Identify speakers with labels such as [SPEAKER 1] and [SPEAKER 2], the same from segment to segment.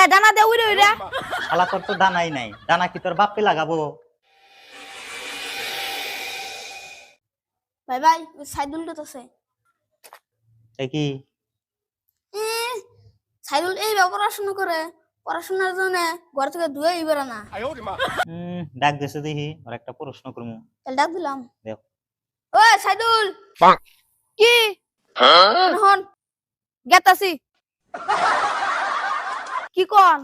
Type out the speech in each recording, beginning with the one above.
[SPEAKER 1] ডানা দে উইরে উইরে
[SPEAKER 2] শালা তোর তো ডানাই নাই, ডানা কি তোর বাপে লাগাবো?
[SPEAKER 1] ভাই ভাই সাইদুল আছে
[SPEAKER 2] এ কি
[SPEAKER 1] সাইদুল এই পড়াশোনা করে, পড়াশোনার জন্য ঘর থেকে ধুয়ে ইবেরা না।
[SPEAKER 2] ডাক দেশে দেখি আর একটা প্রশ্ন করবো।
[SPEAKER 1] তাহলে ডাক দিলাম।
[SPEAKER 2] দেখ
[SPEAKER 1] ওই সাইদুল কি হন গেতাছি কি কোন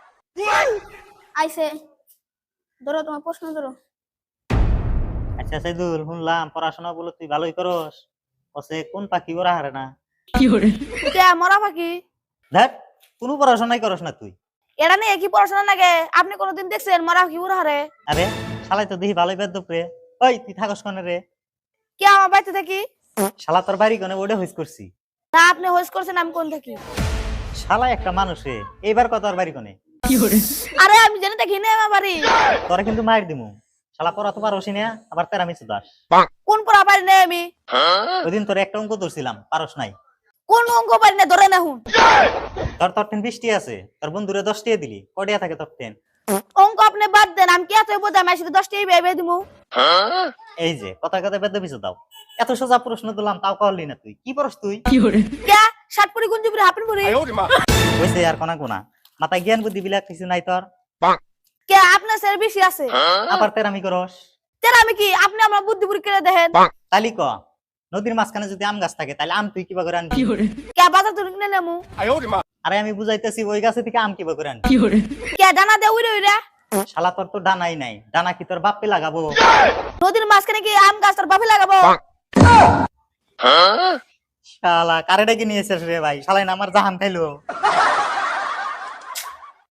[SPEAKER 1] আইছে ধরো তোমার প্রশ্ন ধরো।
[SPEAKER 2] আচ্ছা সাইদুল, শুনলাম পড়াশোনা বলে তুই ভালোই করস, ওসে কোন পাখি ওরা হারে না?
[SPEAKER 1] কে মরা পাখি?
[SPEAKER 2] দেখ কোনো পড়াশোনাই করস না তুই।
[SPEAKER 1] এটা নিয়ে কি পড়াশোনা লাগে? আপনি কোনোদিন দেখছেন মরা পাখি উড়া হারে?
[SPEAKER 2] আরে শালাই তো দেখি ভালোই বেদ রে। ওই তুই থাকস কোনে রে?
[SPEAKER 1] কে আমার বাড়িতে থাকি?
[SPEAKER 2] শালা তোর বাড়ি কোনে ওটা হইস করছি।
[SPEAKER 1] তা আপনি হোস করছেন, আমি কোন থাকি?
[SPEAKER 2] শালা একটা মানুষ রে, এইবার কত আর বাড়ি কোনে?
[SPEAKER 1] আরে আমি জানি দেখি না আমার বাড়ি।
[SPEAKER 2] তোরা কিন্তু মার দিমু। শালা পড়া তো পারসি না, আবার তেরা মিছু দাস।
[SPEAKER 1] কোন পড়া পারি না আমি?
[SPEAKER 2] ওইদিন তোর একটা অঙ্ক ধরছিলাম, পারস নাই।
[SPEAKER 1] কোন অঙ্ক পারি না ধরে না হুন।
[SPEAKER 2] তোর তোর 20 আছে, তোর বন্ধুরে 10 টিয়া দিলি, কডিয়া থাকে তোর 10?
[SPEAKER 1] অঙ্ক আপনি বাদ দেন, আমি কি এত বোঝা আমি শুধু 10টাই ভেবে দিমু।
[SPEAKER 2] এই যে কথা কথা বেদ পিছু দাও। এত সোজা প্রশ্ন দিলাম তাও করলি না তুই। কি পড়স তুই?
[SPEAKER 1] কে ষাটপুরি গুঞ্জিপুরি হাপিনপুরি?
[SPEAKER 2] হইছে আর কোনা কোনা মাথায় জ্ঞান বুদ্ধি বিলাক কিছু নাই তোর।
[SPEAKER 1] কে আপনার স্যার বেশি আছে?
[SPEAKER 2] আবার তেরামি করস।
[SPEAKER 1] তেরা আমি কি আপনি আমার বুদ্ধিপুরি করে দেখেন।
[SPEAKER 2] তালি ক, নদীর মাঝখানে যদি আম গাছ থাকে তাহলে আম তুই কিবা করে আনবি?
[SPEAKER 1] কে বাজার থেকে কিনে নেমু?
[SPEAKER 2] আরে আমি বুঝাইতেছি ওই গাছে থেকে আম কিবা করে আনবি?
[SPEAKER 1] কে ডানা দে উইরে উইরে
[SPEAKER 2] শালা তোর তো ডানাই নাই, ডানা কি তোর বাপে লাগাবো?
[SPEAKER 1] নদীর মাঝখানে কি আম গাছ তোর বাপে লাগাবো?
[SPEAKER 2] শালা কারেটা কি নিয়েছিস রে ভাই? শালাই না আমার জাহান খাইলো।